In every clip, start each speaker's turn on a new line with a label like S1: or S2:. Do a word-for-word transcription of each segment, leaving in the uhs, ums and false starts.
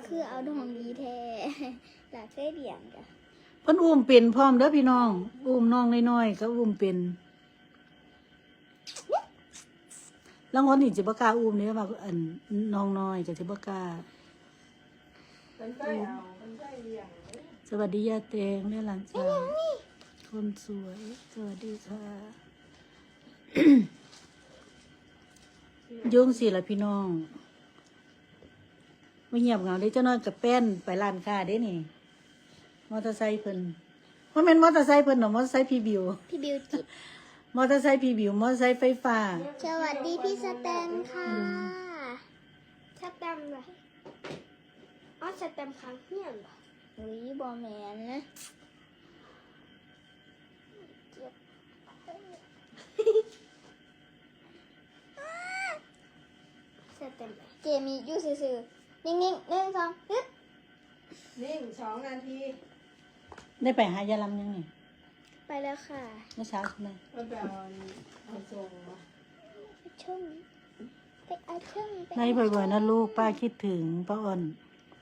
S1: คือเอาดองดีแท้หลาเคยเลี้ยงจ้ะ
S2: เพิ่นอุ้มเป็นพร้อมเด้อพี่น้องอุ้มน้องน้อยๆก็อุ้มเป็นแล้วคนนี่จะบ่กล้าอุ้มนี่ว่าอันน้องน้อยจะสิบ่กล้าสวัสดีย่าแตงแม่หลานสาวคนสวยสวัสดีค่ะยุ่งสิล่ะพี่น้องไม่เงียบเหงาเด้เจ้าน้อยกับแป้นไปร้านค้าเด้นี่มอเตอร์ไซค์เพิ่นว่าแม่นมอเตอร์ไซค์เพิ่นเนาะมอเตอร์ไซค์พี่บิว
S1: พี่บิวจิต
S2: มอเตอร์ไซค์พี่บิวมอเตอร์ไซค์ไฟฟ้า
S1: สวัสดีพี่สแตมค่ะสแตมเลยอ๋อสแตมค้างเฮียนเหรออุ้ยบอแมนนะสแตมเจมี่อยู่ซื่อๆนิ่งๆหนึ่งสองฮึบ
S3: นิ่งสองนาที
S2: ได้ไปหายาลำยังไง
S1: ไปแล้วค่ะ
S2: เมื่อเช้าใช่ไหม
S3: ไปเอาเอาส่งมา
S1: ชุ่มไปเอาชุ่ม
S2: ไล่บ่อยๆนะลูกป้าคิดถึงป้าอ้อน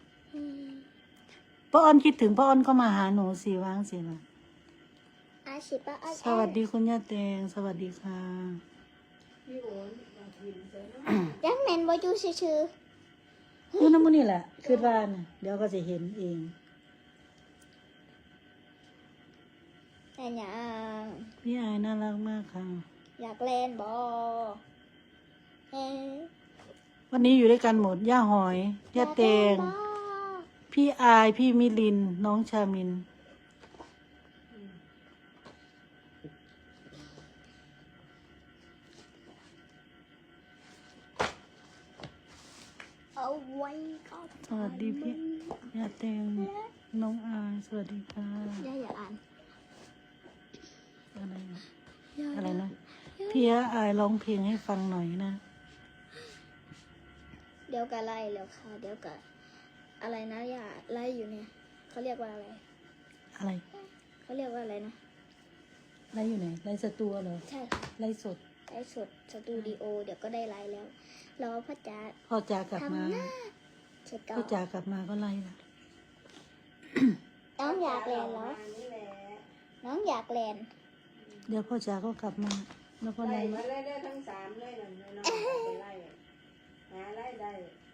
S2: ป้าอ้อนคิดถึงป้าอ้อนก็มาหาหนูสิวางสิล่ะ
S1: อาชิป้าอ้อน
S2: สวัสดีคุณย่าแตงสวัสดีค่ะ
S3: พี่โอนมากินเสร็จแล้ว
S1: ยังแมนบอยู่ชื่อ
S2: ๆอยู่น้ำมันนี่แหละคือว่าน่ะเดี๋ยวก็จะเห็นเอง
S1: แต่ยัง
S2: พี่อายน่ารักมากค่ะ
S1: อยากเล่นบอเอ
S2: วันนี้อยู่ด้วยกันหมดย่าหอยย่าแตงพี่อายพี่มิลินน้องชามิน
S1: เอาไว้ก็
S2: สวัสดีพี่ย่าแตงน้องอายสวัสดีค่ะ
S1: ย่าอย่าอ่าน
S2: อะไรนะอะไรนะพี่อายร้องเพลงให้ฟังหน่อยนะ
S1: เดี๋ยวก็ไล่แล้วค่ะเดี๋ยวก็อะไรนะอย่าไล่อยู่เนี่ยเขาเรียกว่าอะไร
S2: อะไร
S1: เขาเรียกว่าอะไรนะ
S2: ไล่อยู่ไหนไล่สตูเหรอ
S1: ใช่ค่ะ
S2: ไล่สด
S1: ไล่สดสตูดิโอเดี๋ยวก็ได้ไล่แล้วรอพ่อจ๋า
S2: พ่อจ๋ากลับมาพ่อจ๋ากลับมาก็ไล่ละ
S1: น้องอยากแลนแล้วน้องอยากแลน
S2: เดี๋ยวพ่อจ๋าก็กลับมาแล้วก็ไล่
S3: มาไล่ได้ทั้งสามเลยนะน้องไปไล่หาไล่ได้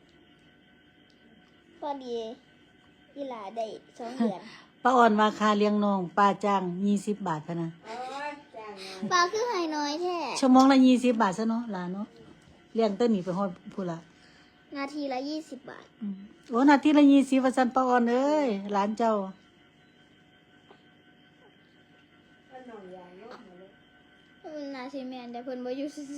S1: พอดีอีหลาได้สองเดือน
S2: ป้าอ่อนมาคาเลี้ยงน้องป้าจ้างยี่สิบบาทพะนะ
S1: ป้าคือให้น้อยแท้
S2: ชั่วโมงละยี่สิบบาทซะเนาะหลานเนาะเลี้ยงเต้นหนีไปฮอดพูละ
S1: นาทีละยี่สิบบาท
S2: โอ้นาทีละยี่สิบว่าซั่นป้าอ่อนเอ้ยหลานเจ้า
S1: นาทีแมนแต่เพิ่นบ่อยู่ซื่อ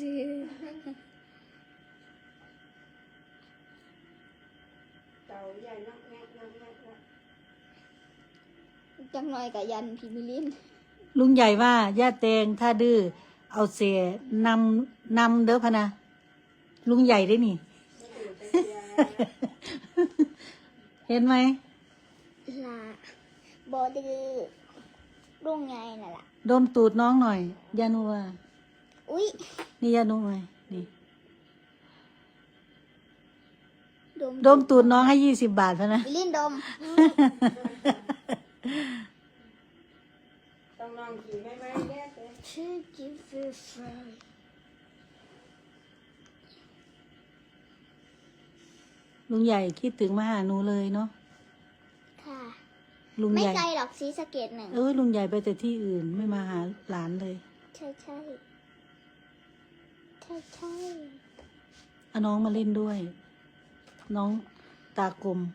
S3: เต่าใหญ่นักแงะนักแงะ
S1: จังหน่อยกับยันพี่มิลิน
S2: ลุงใหญ่ว่าย่าแตงถ้าดื้อเอาเสียนำนำเด้อพะนะลุงใหญ่ได้นี่ เห็นไหม
S1: ล่ะบ่ดื้อลุงใหญ่น่ะล่ะ
S2: ดมตูดน้องหน่อยยานัว
S1: อุ๊ย
S2: นี่ยานัวนี่
S1: ดม
S2: ดมตูดน้องให้ยี่สิบบาทพะนะ
S1: มิลินดม
S3: ต้องลองขี่ไม่ไม่แยกเลย
S1: ชื่อกิฟต์ฟราย
S2: ลุงใหญ่คิดถึงมาหาหนูเลยเนาะ
S1: ค่ะ
S2: ลุง
S1: ใหญ่
S2: ไม่
S1: ไกลหรอกศรีสะเกษหนึ่ง
S2: เออลุงใหญ่ไปแต่ที่อื่นไม่มาหาหลานเลย
S1: ใช่ใช่ใช่ใช่
S2: เอาน้องมาเล่นด้วยน้องตากลม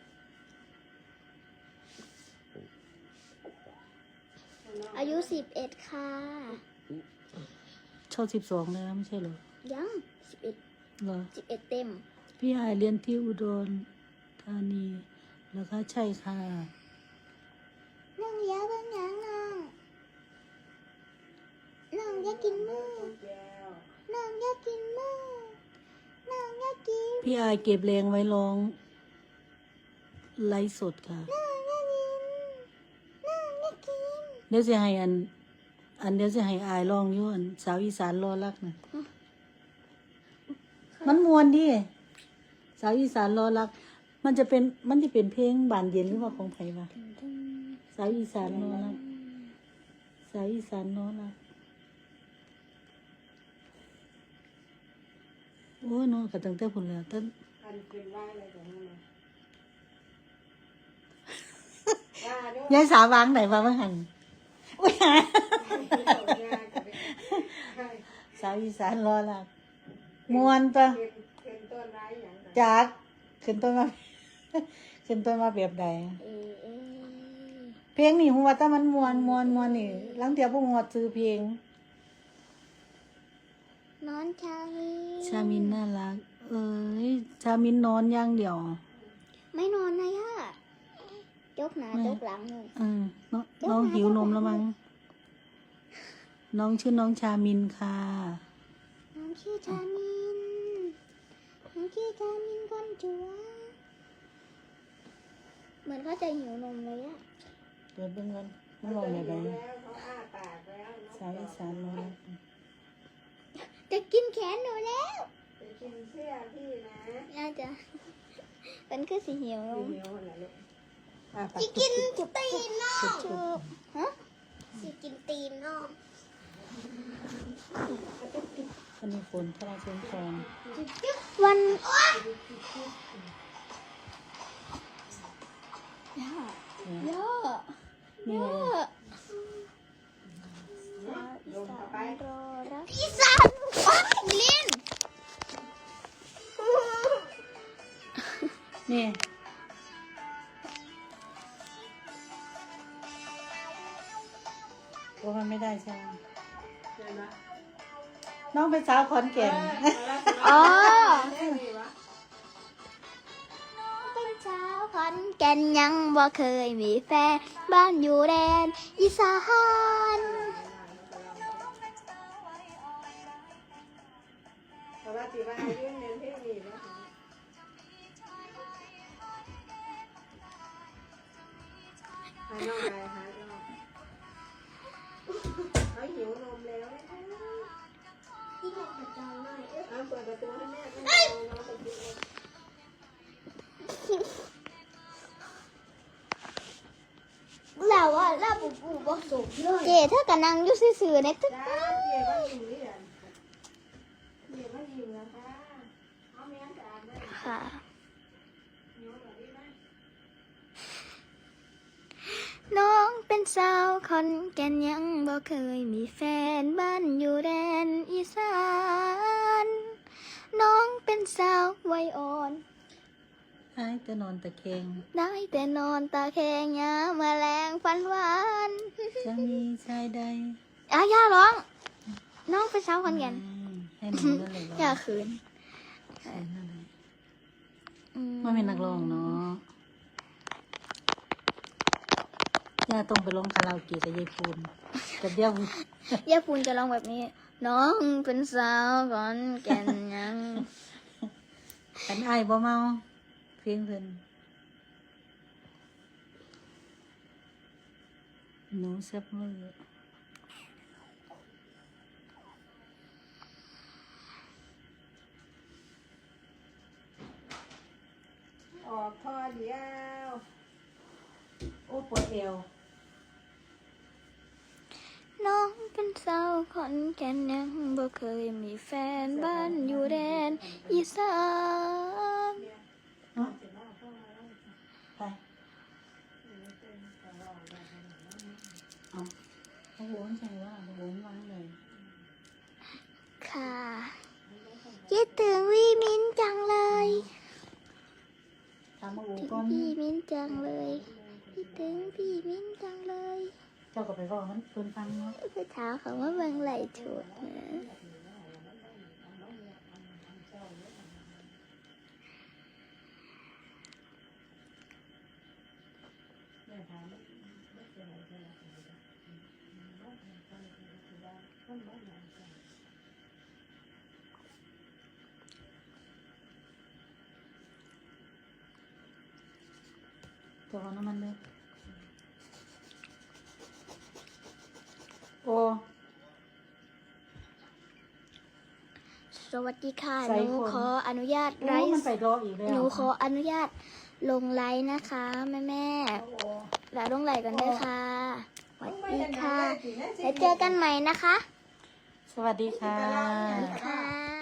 S1: อายุสิบเอ็ดค่ะ
S2: ชอบสิบสองแล้วไม่ใช่เหรอ
S1: ยังสิบเอ็ด
S2: เหรอ
S1: สิบเอ็ดเต็ม
S2: พี่หายเรียนที่อุดรธานีแล้วก็ใช่ค่ะ
S1: นั่งเยอะบ้างยังน้องน้องอยากกินมือน้องอยากกินมือน้องอยากกิน
S2: พี่อายเก็บแรงไว้ร้องไลฟ์สดค่ะ
S1: น้องอยากกินน้องอยากกิน
S2: เดี๋ยวจะให้อันอันเดี๋ยวจะให้อายร้องอยู่อันสาวอีสานรอรักนะมันมวนดิสาวอีสานรอรักมันจะเป็นมันจะเป็นเพลงบานเย็นหรือว่าของไผวะสาวอีสานโน้นนะสาวอีสานโน้นนะโอ้ยเน้องกระตั้งแต่พุ่นแล้วตั้ง
S3: อันเป็นว่าอะไรของมันนะว่าด้วย
S2: ยายสาววางไหนวางไม่หันอุ้ยหาสาวอีสานรอละมวนปะ
S3: เป็นต้นไม้อย่างไร
S2: จักขึ้นต้นมา ขึ้นต้นมาแบบใด
S1: เอเอ
S2: เพลงนี่หัวแต่มันมวนมวนมวนนี่ลังเทียบพวกหัวซื้อเพลง
S1: นอนชามี
S2: ชามินน่ารัก เอ้ยชามินนอนอย่างเดียว
S1: ไม่นอนนะย่า ยกหนา
S2: ไม่
S1: ยกหลังเลย
S2: เออน้องน้องหิวนมแล้วมั้งน้องชื่อน้องชามินค่ะ
S1: น้องชื่อชามินน้องชื่อชามินคนจัวเหมือนเขาจะหิวนมเลยอะ
S2: เปิดเบิ่งกันมัน
S3: เขา
S2: ลอง
S3: จะ
S2: แบบ
S3: หิ
S2: ไหน
S3: วแล้วเขาอ้าปากแล้ว
S2: สาวอีสานนอน
S1: จะกินแขนหนูแล้ว
S3: ไปกินเสื้อพี่นะ
S1: น่าจะเป็นคือสีเหี่ยวนม
S3: หิวเหรอลูก
S2: อ่ะปาก
S1: สิกินตีนน้องถูกฮะสิกินตีนน้อง
S2: อันนี้ฝนพระราชทาน
S1: วันย่าย่า
S2: นี่ไง
S3: ลงเข้าไป
S1: รอรักอีสานว้ายลิน
S2: นี่โอ้มันไม่ได้ใช่ไหม
S3: เดี๋ยวนะ
S2: น้องเป็นสาวขอนแก่น
S1: อ๋อ
S3: ได้ไหมวะ
S1: เป็นชาวขอนแก่นยังบ่เคยมีแฟนบ้านอยู่แดนอีสาน
S3: เพราะว่าตีว่าอายุเน้นเพลงนี้นะหาน้องอะไรหาน้องเขาหิวนมแล้วนะคะ
S1: ที่แม่ประจำหน่อย
S3: เอาเปิดประตูให้แม่ให้น้องน้องไปกินนม
S1: แล้วว่าแล้วปู่ปู่บ่สูบเลยเจ๊เธอก็นั่งอยู่ซื่อๆในตึก
S3: จ้าเดี๋ยวว่าอยู่นี่แหละเดี๋ยวว่าอยู่นะคะเอาแม่จานได้
S1: ค่ะ
S3: หิวแบบนี้ไหม
S1: น้องเป็นสาวขอนแก่นยังบ่เคยมีแฟนบ้านอยู่แดนอีสานน้องเป็นสาววัยอ่อน
S2: ไอ้จะนอนตะแคง
S1: ได้แต่นอนตาแข็งยามแมลงฟันหวาน
S2: จะมีชายใด
S1: อาย่าร้อง น้องเป็นสาวขอนแก่น
S2: ให้หนูนั่นเลย
S1: อย่าขืน
S2: นั่นเลย
S1: อื
S2: ไม่เป็นนักร้องเนาะย่าต้องไปร้องคาราโอเกะกับยายพูนกับเดี่ยว
S1: ย่าพูนจะร้องแบบนี้ น้องเป็นสาวขอนแก่นยัง
S2: กันไอ้ายบ่เมาเพลงเพิ่นหนูแซ่บมือ
S3: ออกพอเดียว
S2: โอ้ปวดเอว
S1: น้องเป็นสาวขอนแก่นยังบ่เคยมีแฟนบ้านอยู่แดนอีสาน
S2: เนาะไปเอาเอาโหนใช่ว่าโหนวางเลย
S1: ค่ะคิดถึงวีมินจังเลย
S2: ตามมาโห
S1: ถึง
S2: ก่อน
S1: พี่มินจังเลยคิดถึงพี่มินจังเลย
S2: เจ้าก็ไปบอกมันเพิ่นฟังเนาะ
S1: ไปถามเขาว่าเมืองไหลถูดนะ
S2: ตัวน้ำมันเลยโอ้
S1: สวัสดีค่ะ
S2: ใส่
S1: หนู
S2: คน
S1: ขออนุญาตไล
S2: โอ้มัน
S1: ฟ์
S2: ไปรออีกแล้ว
S1: หนูขออนุญาตลงไลฟ์นะคะ แม่แม่ๆแล้วลงไลฟ์กันด้วยค่ะสวัสดีค่ะแล้วเจอกันใหม่นะคะ
S2: สวัสดีค่ะ
S1: ค่ะ